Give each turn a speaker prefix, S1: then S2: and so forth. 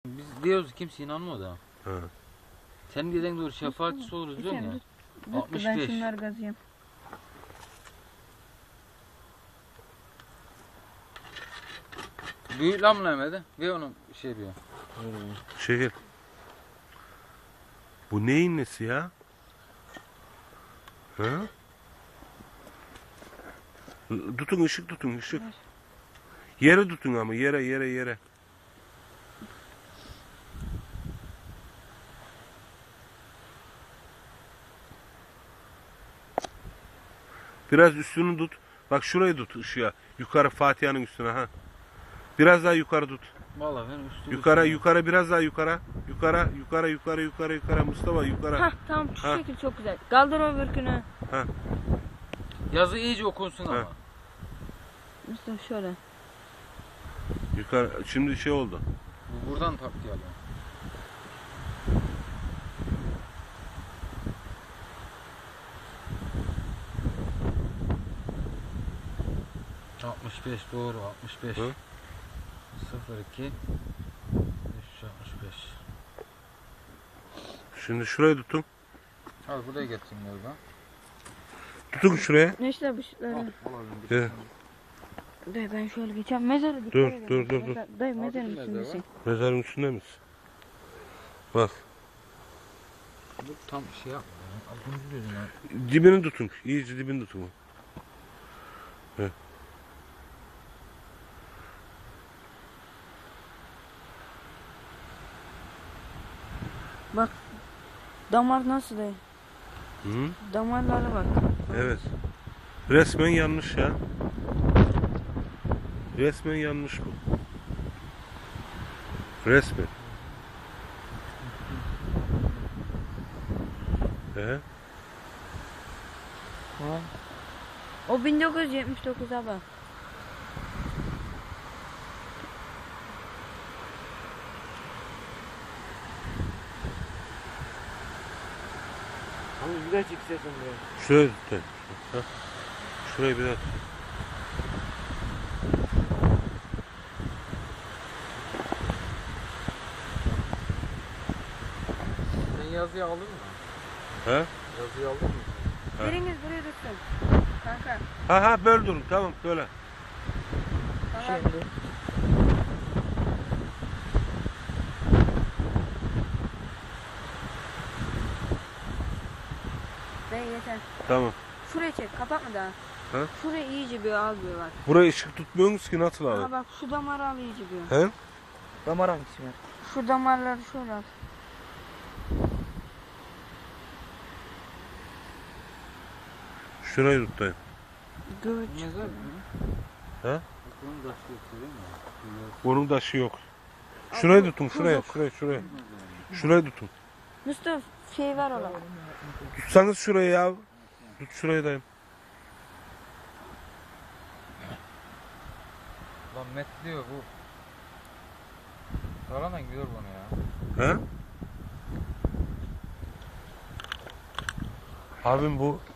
S1: Biz diyoruz kimse inanmıyor da.
S2: Ha.
S1: Sen dediğin doğru şefaatçisi oluruz diyorsun ya.
S3: Ben
S1: 65.
S3: şunları gazıyım.
S1: Büyük lamlamede ve onun şey diyor.
S2: Şeker. Bu neyin nesi ya? Ha? Tutun ışık tutun ışık. Yere tutun ama yere. Biraz üstünü tut. Bak şurayı tut ışığa. Yukarı Fatiha'nın üstüne ha. Biraz daha yukarı tut.
S1: Vallahi ben üstü.
S2: Yukarı biraz daha yukarı. Yukarı Mustafa yukarı.
S3: Hah tamam şu şekil çok güzel. Kaldır öbürkünü.
S2: Ha.
S1: Yazı iyice okunsun ama.
S3: Mustafa şöyle.
S2: Yukarı şimdi şey oldu.
S1: Bu buradan taktiği alıyor. ...65 doğru 65.
S2: Hı?
S1: 02 365.
S2: Şimdi şurayı tutun.
S1: Al buraya getireyim galiba.
S2: Tutun şuraya.
S3: Neşter bu şutları.
S2: Evet.
S3: Dayı ben şöyle geçeceğim. Mezarı dikkat
S2: Dur.
S3: edin. Dayı mezarın
S1: mezarı
S3: üstündesin.
S2: Mezarın üstünde misin? Bak.
S1: Bu tam şey yapma ya. Altıncı diyorsun ya.
S2: Dibini tutun. İyice dibini tutun. Evet.
S3: Bak. Damar nasıl dayı?
S2: Hı?
S3: Damarlara bak.
S2: Evet. Resmen yanlış ya. Resmen yanlış bu. Resmen.
S3: O 1979 abi.
S4: Abi güzel çıkacaksın buraya.
S2: Şurayı tut. Ha. Şurayı biraz.
S1: Sen yazıyı aldın mı?
S2: Ha?
S1: Yazıyı aldın mı?
S2: Ha.
S3: Biriniz buraya tutsun. Kanka.
S2: Ha böl durun tamam böyle.
S3: Tamam.
S4: Şimdi.
S3: Dayı yeter.
S2: Tamam.
S3: Şuraya çek. Kapatma daha.
S2: Ha?
S3: Şuraya iyice bir al bir bak.
S2: Buraya ışık tutmuyorsunuz ki nasıl
S3: Aha
S2: abi?
S3: bak şu damarı al iyice bir.
S2: He?
S4: Damar hangisi var?
S3: Şu damarları şöyle al.
S2: Şurayı tut dayı.
S3: Göğüt.
S1: Mezar mı?
S2: He?
S1: Bunun taşı yok değil mi?
S2: Onun taşı yok. Şurayı tutun şuraya. Şurayı tutun.
S3: Mustafa şey var ola.
S2: Tutsanız şurayı ya. Tut şurayı dayım.
S1: Lan met diyor bu. Sağlanan gidiyor bana ya.
S2: He? Abim bu